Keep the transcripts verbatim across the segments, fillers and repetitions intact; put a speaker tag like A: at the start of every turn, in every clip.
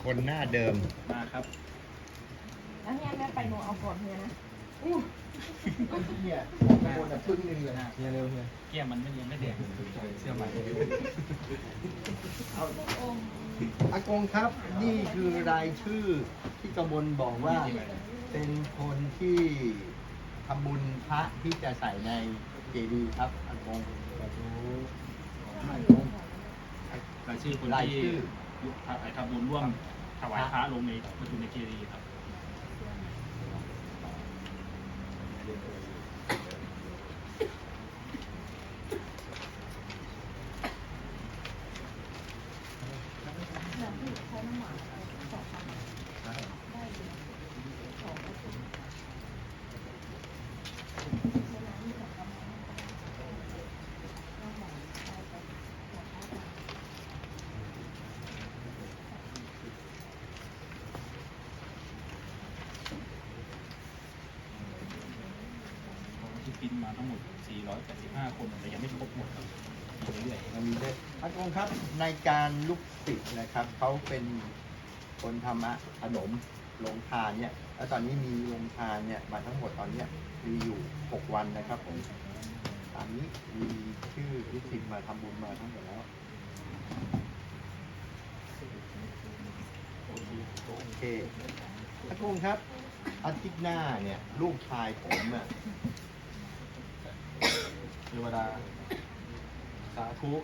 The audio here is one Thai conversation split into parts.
A: คนหน้าเดิม
B: มาครับ
C: แล้วเนี่ยแม่ไปหนูเอาก่อนเฮียนะ
A: เฮียโดนแต่พึ่งหนึ่งเลยเฮียเร็วเฮีย
B: เกี้ยมันไม่ยังไม่แดงเสื้อใหม่
A: อากงครับนี่คือรายชื่อที่กมลบอกว่าเป็นคนที่ทำบุญพระที่จะใส่ในเจดีย์ครับอากงอากง
B: รายชื่อคน
A: ราย
B: ที่
A: ชื่อ
B: ทำบุญร่วมถวายพระลงในประตูในเจดีย์ครับ ที่พิมพ์มาทั้งหมด สี่ร้อยแปดสิบห้า คนแต่ยังไม่ครบหมดครับมีเรื่อย
A: มันมีด้วยอากงครับในการลูกศิษย์นะครับเขาเป็นคนธรรมะขนมลงทานเนี่ยแล้วตอนนี้มีลงทานเนี่ยมาทั้งหมดตอนเนี้ยมีอยู่หกวันนะครับผมตอนนี้มีชื่อลูกศิษย์มาทำบุญมาทั้งหมดแล้วโอเคอากงครับอาทิตย์หน้าเนี่ยลูกชายผมอ่ะ
D: เทวดาสาธุ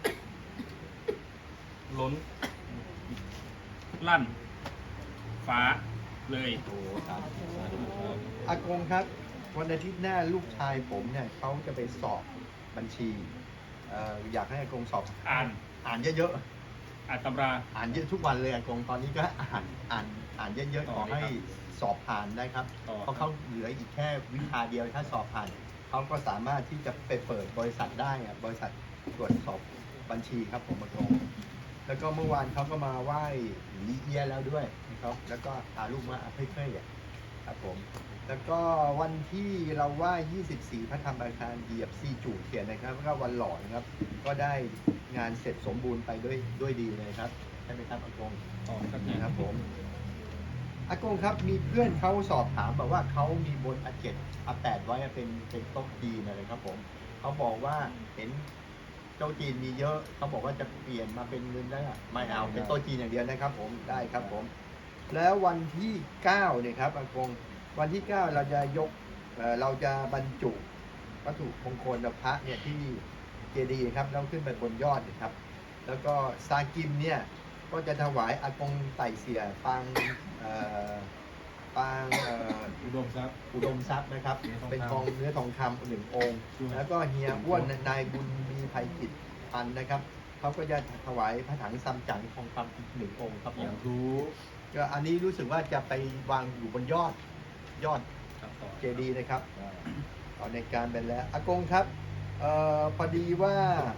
D: ล้น
B: ๆลั่น ฟ้าเลย
A: โอ้สาธุสาธุครับอากงครับวันอาทิตย์หน้าลูกชายผมเนี่ยเขาจะไปสอบบัญชีเอ่ออยากให้อากงสอบ
B: อ่าน
A: อ่านเยอะ
B: อ่านตำรา
A: ๆอ่านเยอะทุกวันเลยอากงตอนนี้ก็อ่านอ่านอ่านเยอะๆขอให้สอบผ่านได้ครับ
B: ต่อ
A: เพราะเขาเหลืออีกแค่วิชาเดียวถ้าสอบผ่านเขาก็สามารถที่จะไปเปิดบริษัทได้อะบริษัทตรวจสอบบัญชีครับผมอากงแล้วก็เมื่อวานเขาก็มาไหว้ลีเอียแล้วด้วยนะครับแล้วก็พาลูกมาเพื่อยๆครับผม แล้วก็วันที่เราไหว้ยี่สิบสี่พระธรรมอาคารเหยียบซีจูเทียนนะครับแล้วก็วันหล่อนะครับ ก็ได้งานเสร็จสมบูรณ์ไปด้วยด้วยดีเลยครับใช่ไหมครับอากง
B: ต่อครับเนี่ย
A: นะครับผมอากงครับมีเพื่อนเขาสอบถามบอกว่าเขามีบนอาเจ็ดอาแปดไว้เป็นเป็นโต๊ะจีนอะไรครับผมเขาบอกว่าเห็นโต๊ะจีนมีเยอะเขาบอกว่าจะเปลี่ยนมาเป็นเงินได้อะไม่เอาเป็นโต๊ะจีนอย่างเดียวนะครับผมได้ครับผม แล้ววันที่เก้าเนี่ยครับอากงวันที่เก้าเราจะยกเอ่อเราจะบรรจุวัตถุมงคลพระเนี่ยที่เจดีย์ครับแล้วขึ้นไปบนยอดนะครับ แล้วก็ซากิมเนี่ยก็จะถวายอากงไต่เสียปางเอ่อปางเอ่อ
D: อุดมทรัพย์
A: อุดมทรัพย์นะครับ
D: เนื้อทองคำ
A: เป็นทองเนื้อทองคำหนึ่งองค์ แล้วก็เฮียอ้วนนายบุญมีภัยจิตพันธ์นะครับเขาก็จะถวายพระถังซัมจั๋งทองคำอีกหนึ่งองค์ครับผ
D: อย่าม งรู้
A: ก็อันนี้รู้สึกว่าจะไปวางอยู่บนยอดยอด
B: ครับต่อ
A: เจดีย์นะครับตอนในการเป็นแล้วอากงครับเอ่อพอดีว่า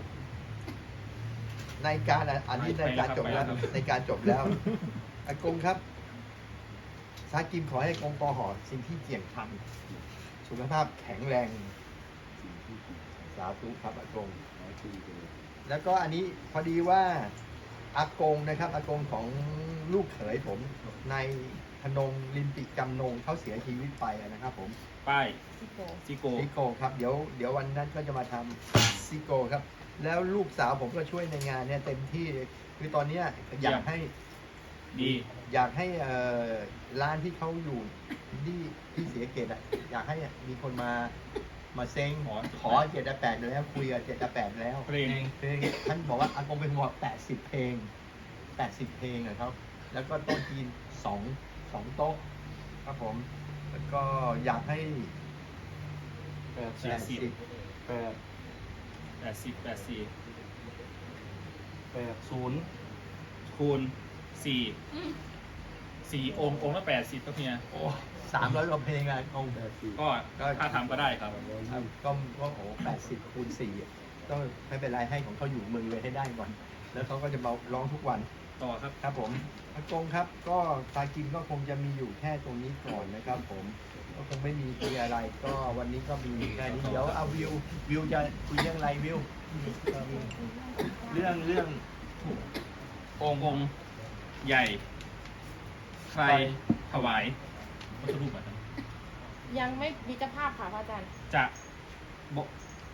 A: ในการอ่ะอันนี้ในการจบแล้วในการจบแล้วอากงครับซากิมขอให้อากงปอหอสิ่งที่เจียงทำสุขภาพแข็งแรงสาธุครับอากง แล้วก็อันนี้พอดีว่าอากงนะครับอากงของลูกเขยผมในพนงลิมปิจำนงเขาเสียชีวิตไปนะครับผม
B: ป้าย
C: ซิโก
B: ซิโก
A: ซิโกครับเดี๋ยวเดี๋ยววันนั้นก็จะมาทำซิโกครับ แล้วลูกสาวผมก็ช่วยในงานเนี่ยเต็มที่คือตอนเนี้ยอยากให้
B: ดี
A: อยากให้เอ่อร้านที่เขาอยู่ที่ที่เสียเกตอ่ะอยากให้มีคนมามาเซ็ง
B: ขอ
A: ขอเจ็ดแปดแล้วคุยกับเจ็ดแปดแล้ว
B: เพลง
A: เพลงท่านบอกว่าอากงเป็นหัวแปดสิบเพลงแปดสิบเพลงอะครับ แล้วก็โต๊ะจีนสองสองโต๊ะครับผม แล้วก็อยากให้
D: แปด
A: แปดสิบ
D: แปด
B: แปดสิบแปดสี่
D: แปดศูนย์
B: คูณสี่สี่องค์องค์ละแปดสิบครับเฮีย
A: โอ้สามร้อยกว่าเพลงอะอากง
D: แปดสี่
B: ก็ถ้าทำก็ได้ครับ
A: ครับก็ก็โอ้แปดสิบคูณสี่ก็ไม่เป็นไรให้ของเขาอยู่เมืองเลยให้ได้ก่อน แล้วเขาก็จะมาร้องทุกวัน
B: ต่อครับ
A: ครับผมอากงครับ ก็ตากินก็คงจะมีอยู่แค่ตรงนี้ก่อนนะครับ ผมก็คงไม่มีคุยอะไร ก็วันนี้ก็มีแค่นี้เดี๋ยวเอาวิววิวจะคุยเรื่องอะไรวิวเรื่องเรื่อง
B: องค์องค์ใหญ่ใครถวายวัตถุรูปแบบนั้น
C: ยังไม่มีเจ้าภาพค่ะพระอาจารย์
B: จะบอก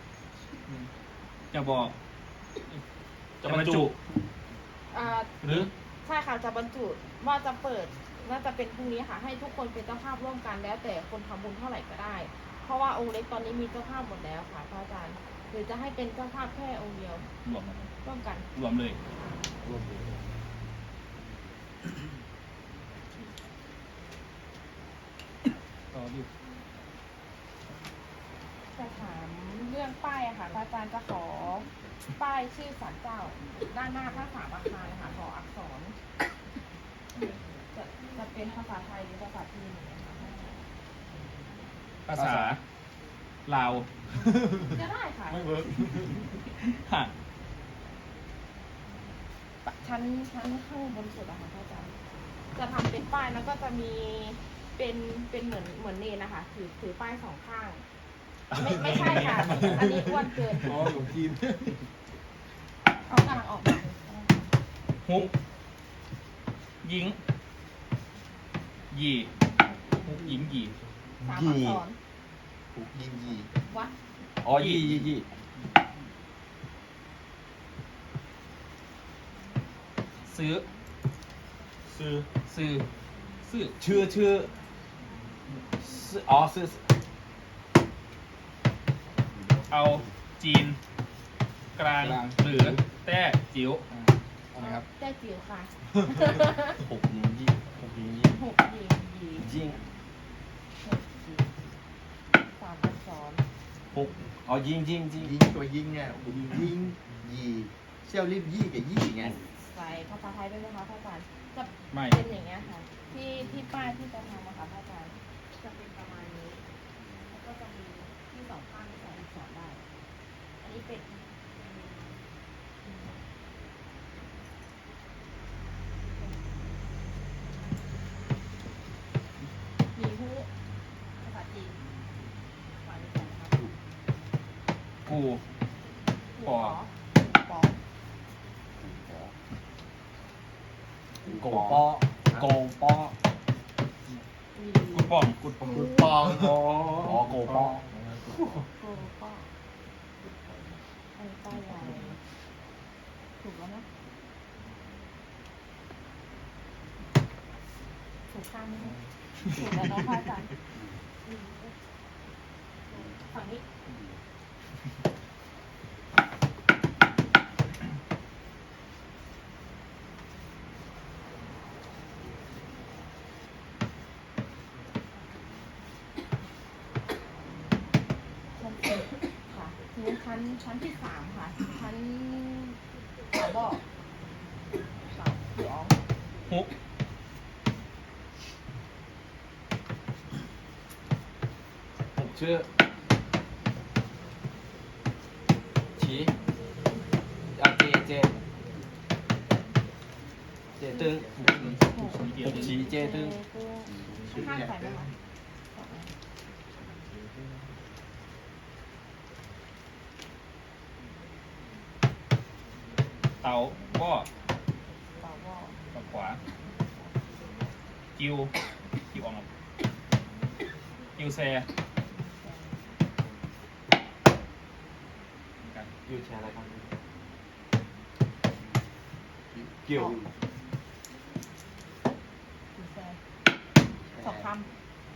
B: จะบอก จะบรรจุ
C: อ่า
B: หรือ
C: ใช่ค่ะจะบรรจุว่าจะเปิดน่าจะเป็นพรุ่งนี้ค่ะ ให้ทุกคนเป็นเจ้าภาพร่วมกันแล้วแต่คนทำบุญเท่าไหร่ก็ได้ เพราะว่าองค์เล็กตอนนี้มีเจ้าภาพหมดแล้วค่ะพระอาจารย์หรือจะให้เป็นเจ้าภาพแค่องค์เดียว
B: รวม
C: ร่วมกัน
B: รวมเลย
D: รวมเลย
B: ต่อดิ
C: จะถามเรื่องป้ายอะค่ะพระอาจารย์จะขอป้ายชื่อศาลเจ้า ด้านหน้าพระสามอาคารค่ะขออักษร จะจะเป็นภาษาไทยหรือภาษาจีนอย่างเงี้ยค่ะ
B: ภาษาลาว
C: จะได้ค่ะ
D: ไม่เวิร์ก
B: ฮะ
C: ชั้นชั้นข้างบนสุดอะค่ะพระอาจารย์จะทำเป็นป้ายแล้วก็จะมีเป็นเป็นเหมือนเหมือนเนนนะคะถือถือป้ายสองข้าง ไม่ไม่ใช่ค่ะ อันนี้อ้วนเกิน
D: อ๋อหลวงจีน
C: เขากำลังออกมา
B: ฮุกยิงหยีฮุกยิงหยี
C: สามอักษร
A: ถูกยิงยี
C: วัด
D: อ๋อยี่ยี่ยี่
B: ซื้อ
D: ซื้อ
B: ซื้อซื้อ
D: ชื่อชื่อซื้ออ๋อซื้อ
B: เอาจีน กลางหรือแต้จิ๋ว
D: อะไรครับ
C: ได้จิ๋วค่ะ
D: หกยิงยี่หกยิงยี่
C: หกยิงยี
D: ยิง
C: หกยิงสามอักษร
D: หกอ๋อยิงยิงยิง
A: ยิงตัวยิงเนี่ยยิงยีเซี่ยวรีบยี่กับยี่ไง
C: ใส่ภาษาไทยด้วยนะคะพระอาจารย์จะ
B: ไม่
C: เป็นอย่างเงี้ยค่ะ ที่ที่ป้ายที่จะทำอะค่ะพระอาจารย์จะเป็นประมาณนี้ แล้วก็จะมีที่สองข้างที่ใส่อักษรได้ อันนี้เป็นมีฮู้ภาษาจีนฝ่ายนี้ใส่นะคะ
B: กู ปอ
C: ปอ
D: โกปอโกปอ
C: มี
B: กูป่อง
D: กุดปอง
A: กุดปอง
D: อ๋ออ๋อโกปอ
C: โกปออันนี้ป้ายยาวถูกแล้วนะถูกข้างไหมคะถูกแล้วนะพระอาจารย์ฝั่งนี้ ชั้นสี่ค่ะทีนี้ชั้นชั้นที่สามค่ะ ชั้นเสาบอกเสาพี่อ๋อง
B: ฮุก
D: หกชื่อฉีอ่ะเจเจเจตึง
C: หก
B: มีเดียว
D: หกฉีเจตึง
C: ข้างใส่ไหมคะ
B: เตาบ่อ
C: เสาบอก
B: ฝั่งขวากิวกิวออกกิวแซ
D: อยู่แชร์อะไรครับเกี่ยว
C: ดูแซสองคำ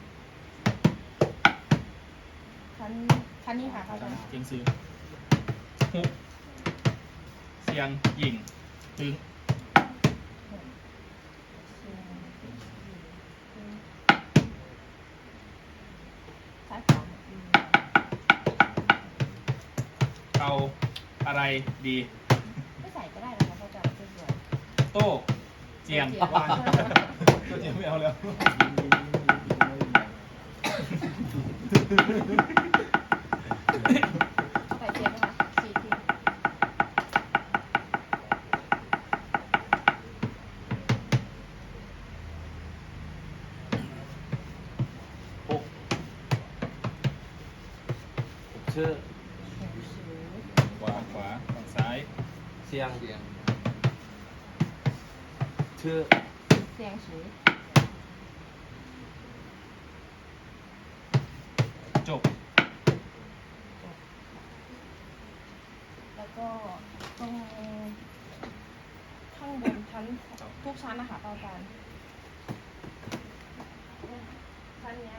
C: ชั้นชั้นนี้ค่ะพระอาจารย์
B: เจียงซื้อฮุกเสียงยิงตึง
C: ซ้ายขวา
B: เอาอะไรดี
C: ไม่ใส่ก็ได้นะคะพระอาจารย์สวย
B: โต้เจียง
C: ๆ
B: วาง
D: ก็ยังไม่เอาแล้ว
C: ใส่เทียนนะคะสี่ที
D: หกหกชื่อ
B: ขวาขวาฝั่งซ้าย
D: เสียง
A: เสียง
D: ชื่อ
C: เสียงสี
D: ช
C: ชั้นทุกชั้นนะคะอาจารย์ชั้นเนี้ย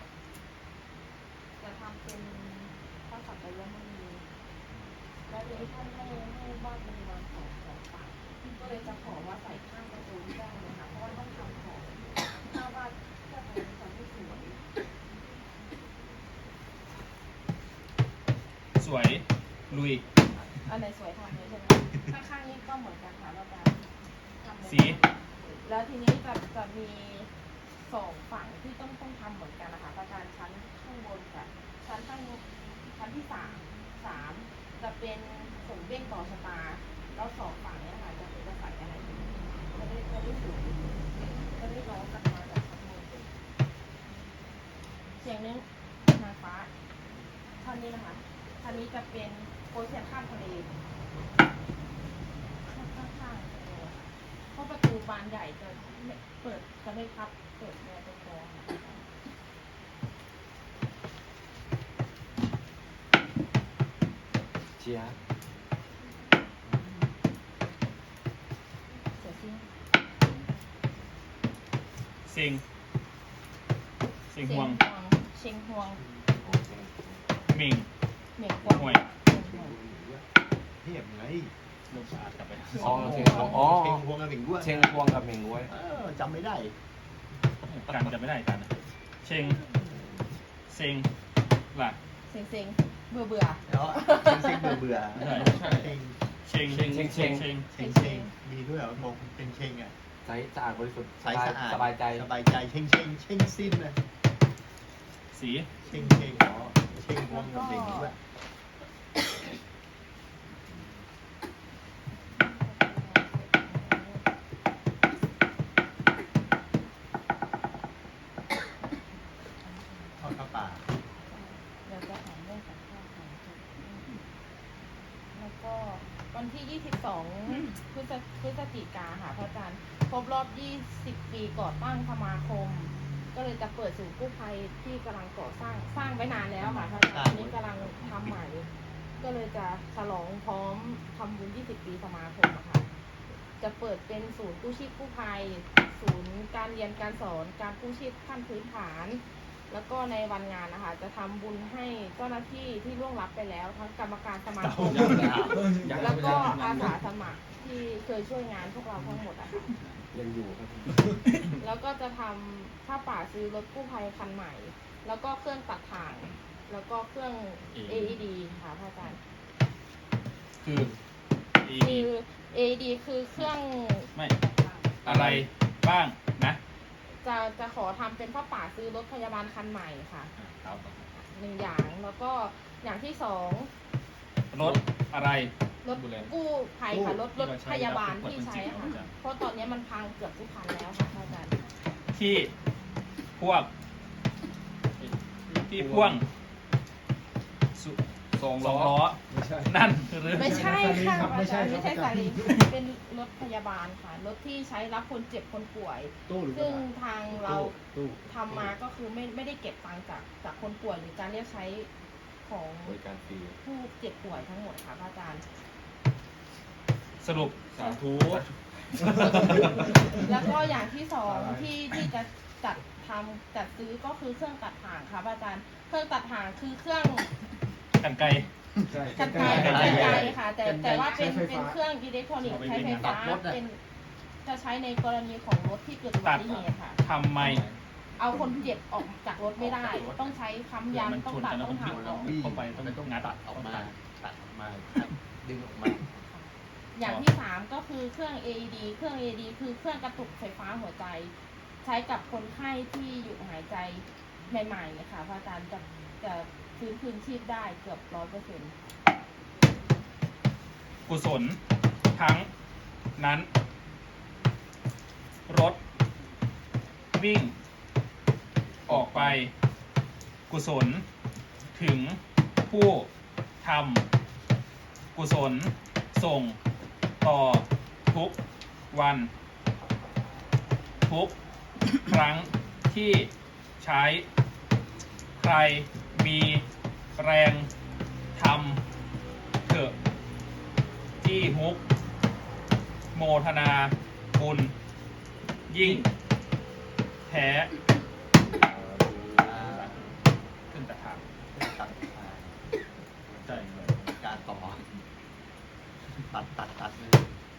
C: จะทำเป็นข้อสัตย์ยมณีแล้วทีนี้ท่านให้ให้บ้านเป็นวันสองสองฝั่งก็เลยจะขอว่าใส่ข้างประตูไม่ได้เลยค่ะเพราะว่าต้องทำของถ้าว่าเพื่อเป็นความที่สวย
B: สวยลุย
C: อันไหนสวยทำเลยใช่ไหมข้างๆนี้ก็เหมือนกันค่ะอาจารย์ทำเลย
B: สี
C: แล้วทีนี้จะจะมีสองฝั่งที่ต้องต้องทำเหมือนกันนะคะอาจารย์ชั้นข้างบนกับชั้นข้างชั้นที่สามสามจะเป็นผงเบ้งต่อชะตาแล้วสองฝั่งเนี้ยค่ะจะเป็นจะใส่อะไรจะได้จะได้สวยจะได้ร้องกันมาจากข้างบนเสียงนึงนางฟ้าท่านนี้นะคะท่านนี้จะเป็นโปรเซียนข้ามทะเลข้างๆเลยเพราะประตูบานใหญ่จะไม่เปิดจะไม่พับเปิดแนวตรงคอค่ะ
D: เชียร์
C: เสียซิ่ง
B: เซ็งเซ็งห่วง
C: เชียงห่วง
B: เม่ง
C: เหม่งห่วง
B: ห่วย
C: เชียงห่วง
A: เทียบไง
B: ลมสะอาดกลับไป
D: อ๋อเชงอ๋อ
A: เชงพวงกับหมิงด้วย
D: เชงพวงกับเหม่งเว้ย
A: เออจำไม่ได้
B: กันจะไม่ได้กันนะเชงเซ็งล่ะ
C: เซ็งเซ็งเบื่อเบื่อ
A: แล้วเชงเบื่อเบื่อ
B: ใช่ใช่
A: เชง
B: เชงเชงเชงเชงเชง
A: เชงเชงมีด้วยเหรอมองเป็นเชงอ่ะ
D: ใสสะอาดบริสุทธิ์
A: ใสสะอาด
D: สบายใจ
A: สบายใจเชงเชงเชงสิ้นเลย
B: สี
A: เชงเชงอ๋อเชงพวงกับหมิงด้วยทอดข้าวป่า
C: เดี๋ยวจะถามเรื่องสัมภาษณ์ของจุดแล้วก็วันที่ยี่สิบสองพฤศพฤศจิกาค่ะพระอาจารย์ครบรอบยี่สิบปีก่อตั้งสมาคม ก็เลยจะเปิดศูนย์กู้ภัยที่กำลังก่อสร้างสร้างไว้นานแล้วค่ะพระอาจารย์ตอนนี้กำลังทำใหม่ ก็เลยจะฉลองพร้อมทำบุญยี่สิบปีสมาคมอะค่ะ จะเปิดเป็นศูนย์กู้ชีพกู้ภัย ศูนย์การเรียนการสอนการกู้ชีพขั้นพื้นฐาน แล้วก็ในวันงานนะคะจะทำบุญให้เจ้าหน้าที่ที่ล่วงลับไปแล้วทั้งกรรมการสมาคมแล้วก็อาสาสมัครที่เคยช่วยงานพวกเราทั้งหมดอะค่ะ
D: ยังอยู่ครับ
C: แล้วก็จะทำผ้าป่าซื้อรถกู้ภัยคันใหม่ แล้วก็เครื่องตัดถ่าง แล้วก็เครื่อง เอ อี ดี ค่ะพระอาจารย์
B: คืออี
C: คือ เอ อี ดี คือเครื่อง
B: ไม่อะไรบ้างนะ
C: จะจะขอทำเป็นผ้าป่าซื้อรถพยาบาลคันใหม่ค่ะ
B: ครับ
C: หนึ่งอย่างแล้วก็อย่างที่สอง
B: รถอะไร
C: รถ
B: ดูแล
C: กู้ภัยค่ะรถรถ
B: ที่เราใช้
C: พยาบาล
B: แล้ว
C: ที่ใช้
B: เปิดเป็นจริง
C: ค่ะ
B: เหรอจ๊ะ
C: เพราะตอนนี้มันพังเกือบทุกคันแล้วค่ะพระอาจารย์
B: ที่พวกที่พ่วงสุ
D: สอง
B: ส
D: ล้
B: อง
D: อ
B: ล้อ
E: ไม่ใช่
B: นั่นหรือ
C: ไม่ใช่ค่ะพระ
E: ไม่
C: อา
E: ใช่
C: จารย์
E: ครับ
C: ไม่ใช่
E: อาจารย์
C: สาลีเป็นรถพยาบาลค่ะ รถที่ใช้รับคนเจ็บคนป่วย
E: ตู้หรือกระ
C: ซึ่ง
E: ดาษ
C: ทางเรา
E: ตู้
C: ทำมาก็คือไม่ไม่ได้เก็บตังค์จากจากคนป่วยหรือการเรียกใช้ของ
D: บริการฟรี
C: ผู้เจ็บป่วยทั้งหมดค่ะพระอาจารย์
B: สรุป
D: สาธุ
C: แล้วก็อย่างที่สองที่ที่จะจัดทำจัดซื้อก็คือเครื่องตัดถ่างค่ะพระอาจารย์ เครื่องตัดถ่างคือเครื่อง
B: กันไกล
E: ใช่
C: กันไกล
B: กัน
C: กัน
B: ไกล
C: ไกลค่ะ แต่แต่ว่าเป็น
E: ใช้ไฟ
C: เป็น
E: ฟ้า
C: เครื่องอิเล็กทรอนิกส์
B: เอาไป
C: ใช้ไฟ
B: วิ่ง
C: ฟ้า
A: ตัดรถอะ
C: เป็นจะใช้ในกรณีของรถที่เกิดอุบัติเหตุค่ะ
B: ทำไม
C: เอาคนเจ็บออกจากรถไม่ได้ ต้องใช้ค้ำยัน
B: มัน
C: ต้อง
B: ชน
C: ตัด
B: กันแล้ว
C: ต้อง
B: มัน
C: หัก
B: บิด
C: ออก
A: บี้
B: เข้าไปต้อง
A: ต้อง
B: งัด
A: ตัดออกมา ตัดออกมาดึงออกมา
C: อย่างที่สามก็คือเครื่อง เอ อี ดี เครื่อง เอ อี ดี คือเครื่องกระตุกไฟฟ้าหัวใจ ใช้กับคนไข้ที่หยุดหายใจใหม่ๆนะคะพระอาจารย์จะจะฟื้นคืนชีพได้เกือบร้อยเปอร์เซ็นต์
B: กุศลทั้งนั้น รถ วิ่ง ออกไป กุศล ถึงผู้ทำกุศล ส่ง ต่อ ทุกวัน ทุก ครั้งที่ใช้ ใครมีแรงทำเถอะที่ฮุก โมทนา บุบุญ ยิ่ง แพ้
A: อ่า
B: ขึ้นตะถาม
A: ตัดอ่า
B: ใช่เลย
A: การต่อตัดตัดตัดเลย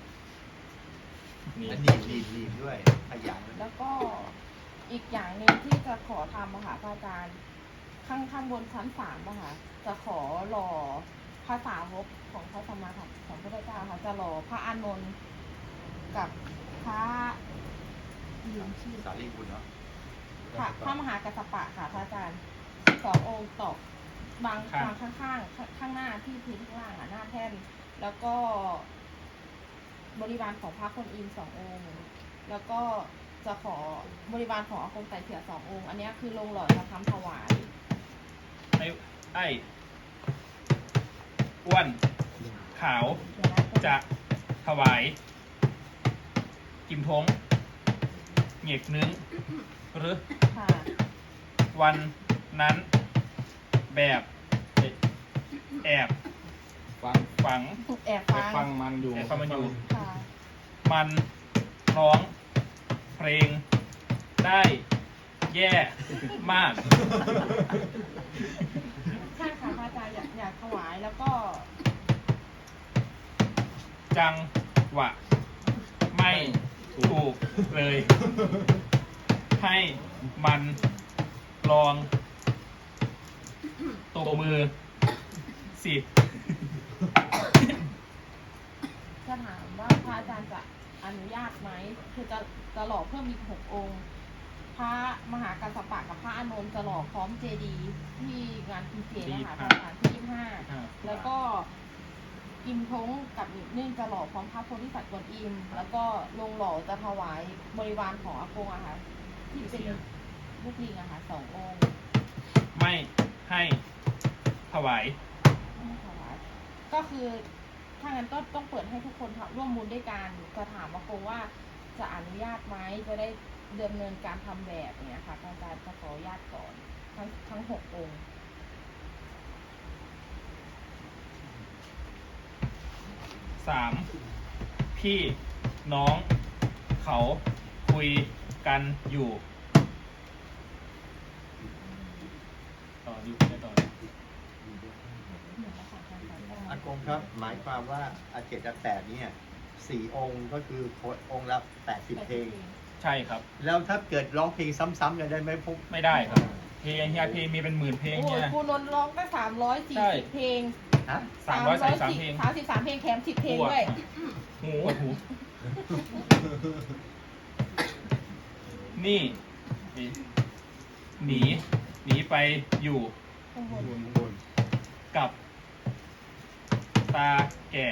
B: นี่
A: แล้วหนีบหนีบหนีบด้วยขยัน
C: แล้วก็อีกอย่างหนึ่งที่จะขอทำอะค่ะพระอาจารย์ข้างข้างบนชั้นสามอะค่ะจะขอหล่อพระสาวกของพระสัมมาสัมสัมพุทธเจ้าค่ะจะหล่อพระอานนท์กับพระลืมชื่อ
A: สารีบุญเนาะ
C: พระพระมหากัสสปะค่ะพระอาจารย์สององค์ตอกบางบางข้างข้างๆข้างหน้าที่พื้นข้างล่างอ่ะหน้าแท่นแล้วก็บริวารของพระคนอินสององค์ แล้วก็จะขอบริวารของอากงไต่เถื่อสององค์ อันนี้คือลงหล่อจะทำถวาย
B: ไอ้ไอ้อ้วนขาว
C: เดี๋ยวนะ
B: จะถวายกิมทงเหงกนึงหรือ
C: ค่ะ
B: วันนั้นแบบแอบ
D: ฟัง
B: ฝัง
C: แอบ
D: ไป
C: ฟัง
D: ฟังมันอยู่
B: แอบฟังมันอยู่
C: ค่ะ
B: มันร้องเพลงได้แย่มาก
C: ใช่ค่ะพระอาจารย์อยากอยากถวายแล้วก็
B: จังหวะ ไม่ถูกเลย ให้มันลองตบมือสิ
C: จะถามว่าพระอาจารย์จะอนุญาตไหมคือจะจะหล่อเพิ่มอีกหกองค์ พระมหากัสสปะกับพระอานนท์จะหล่อพร้อมเจดีย์ที่งานกินเจนะคะพระอาจารย์ที่ยี่สิบห้า แล้วก็อิมทงกับอีกนึ่งจะหล่อพร้อมพระโพธิสัตว์กวนอิม แล้วก็ลงหล่อจะถวายบริวารของอากงอะค่ะที่เป็นลูกลิงอะค่ะสององค์
B: ไม่ให้ถวาย
C: ไม่ถวายก็คือถ้างั้นก็ต้องเปิดให้ทุกคนร่วมบุญด้วยกันจะถามอากงว่าจะอนุญาตไหมจะได้ดำเนินการทำแบบเนี้ยค่ะอาจารย์จะขออนุญาตก่อนทั้งทั้งหกองค์
B: สามพี่น้องเขาคุยกันอยู่ต่ออยู่ได้ต่อเลย
A: อากงครับ หมายความว่าอาเจ็ดอาแปดเนี่ยสี่องค์ก็คือองค์ละแปดสิบเพลง
B: ใช่ครับ
A: แล้วถ้าเกิดร้องเพลงซ้ำๆกันได้ไหมพวก
B: ไม่ได้ครับ เพลงเฮียเพลงมีเป็นหมื่นเพลง
C: โอ้
B: เนี่ย ย
C: ครูนนท์ร้องไปสามร้อยสี่
B: ใช่
C: สิบเพลง
A: ฮะ
B: สามร้อยสามสิบสามเพลง
C: สามสิบสามเพลงแถมสิบเพลงด้วย
B: หูหูนี่ หนี หนีไปอยู่
C: ข้างบน
A: บน
B: กับ ตาแก่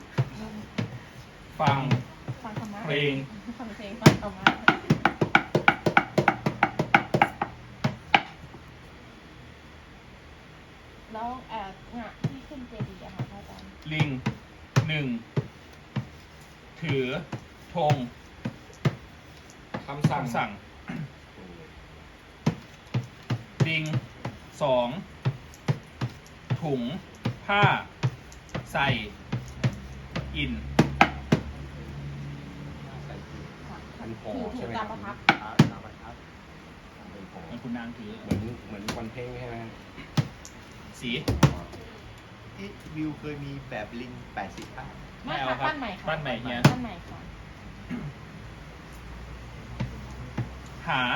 B: ฟัง
C: ฟังธรรมะ
B: เพลง
C: ฟังเพลงฟังธรรมะแล้วเอ่องะที่ขึ้นเจดีย์อะค่ะพระอาจารย์
B: ลิงหนึ่ง ถือธง
D: คำสั่ง
B: คำสั่ง ลิงสอง ถุง ผ้า ใส่ อิน
A: ใส่ถุง
C: ค่ะ
D: มันห่อ
C: ถือ
D: ใช่
C: ถือ
D: ไหม
C: ตามประทับ
A: พระนามประทับเป็นของ
B: มันคุณนางถือ
D: เหมือนเหมือนวันเพ่งใช่ไหม
B: สี
A: อีทวิวเคยมีแบบลิงแปดสิบข้าง
C: ไม่
B: ไม่เอา
C: ค่ะ
B: ครับ
C: บ้านใหม่ค่ะ
B: บ้านใหม่เฮีย
C: บ้านใหม่ค่ะ
B: หา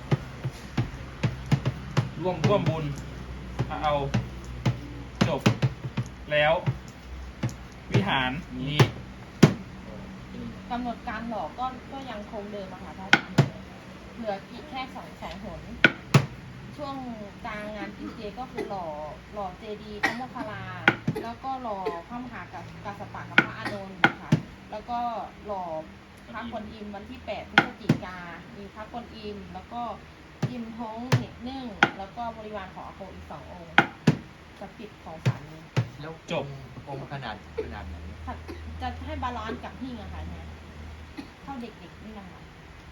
D: ร่วม
B: ร่วมบุญเอา จบ แล้ว วิหารนี้
C: กำหนดการหล่อก็ก็ยังคงเดิมอะค่ะพระอาจารย์เหลืออีกแค่สองแสนหน ช่วงกลางงานกินเจก็คือหล่อหล่อเจดีย์พระโมคคัลลา แล้วก็หล่อพระมหากัสกัสสปะกับพระอานนท์ค่ะแล้วก็หล่อพระกวนอิมวันที่แปดพฤศจิกา มีพระกวนอิม แล้วก็อิมท้องเหน็กนึ่ง แล้วก็บริวารของอาโกอีกสององค์จะปิดของสามนี้
A: แล้ว
B: จบ
A: องค์ขนาดขนาดไหน
C: ค่ะจะให้บาลานซ์กับหิ้งอะค่ะเนี่ยเท่าเด็กๆนี่นะคะ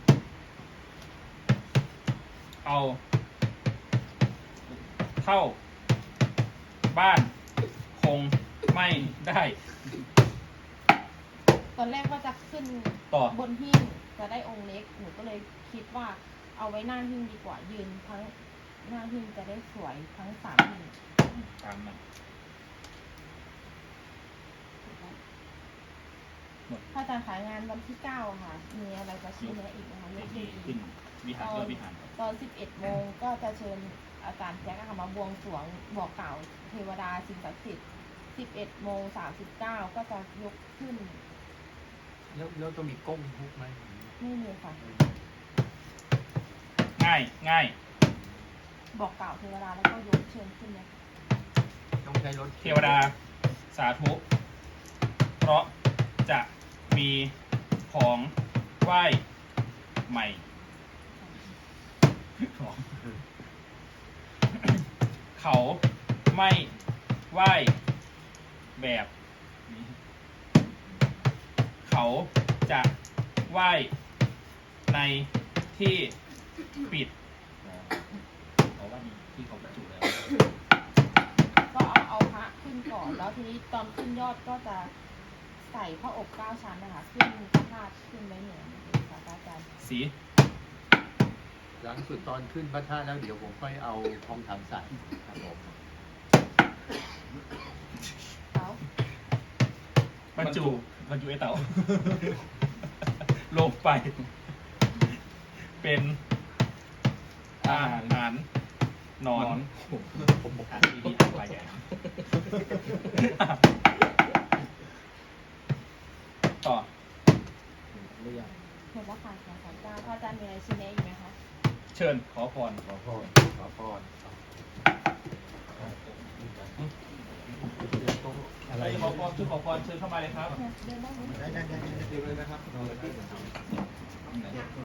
B: เอา เท่า บ้าน คงไม่ได้
C: ตอนแรกว่าจะขึ้น
B: ต่อ
C: บนหิ้งจะได้องค์เล็ก หนูก็เลยคิดว่าเอาไว้หน้าหิ้งดีกว่า ยืนทั้งหน้าหิ้งจะได้สวยทั้งสามหิ้ง
B: ตามนั้น หมด
C: พระอาจารย์ขายงานวันที่เก้าค่ะ มีอะไรจะชี้แนะอีกไหมคะ
B: พิ
C: ยก
B: ธี
C: มือ
B: ขึ้นวิหารยอดวิหาร
C: ตอนสิบเอ็ดโมงก็จะเชิญอาจารย์แจ็คอะค่ะมาบวงสรวงบอกกล่าวเทวดาสิ่งศักดิ์สิทธิ์สิบเอ็ดโมงสามสิบเก้าก็จะยกขึ้น
D: แล้วแล้วต้องมีก้งทุกไหม
C: ไม่มีค่ะ
B: ง่ายง่าย
C: บอกกล่าวเทวดาแล้วก็ยกเชิญขึ้นเลยค่ะ
A: ต้องใช้รถ
B: เทวดาสาธุ เพราะจะมีของไหว้ใหม่ เขาไม่ไหว้แบบนี้ เขาจะไหว้ในที่ปิดเอาว่านี่ที่เขาบรรจุแล้ว
C: ก็เอาเอาพระขึ้นก่อน แล้วทีนี้ตอนขึ้นยอดก็จะใส่พระอบเก้าชั้นนะคะขึ้นพระธาตุขึ้นไว้เหนือค่ะพระอาจารย์
B: สี
A: หลังสุดตอนขึ้นพระธาตุแล้วเดี๋ยวผมค่อยเอาทองคำใส่ครับผม
C: เขา
B: บรรจุบรรจุไอเต๋า ลงไป เป็นอาหารหนอน
D: ผมผมบอก
B: อ่านดีๆอ่านไปใหญ่ต่อ
D: เรื่อง
C: เห็นแล้วค่ะสองสามเก้าพระอาจารย์มีอะไรชี้แนะอีกไหมคะ
B: เชิญขอพร
A: ขอพรขอพร
B: อะไรขอพรเชิญขอพรเชิญเข้ามาเลยครับ
C: เดินได้ไหม
A: ได้ได้ได้ได้
D: เรื่องเลยนะครับ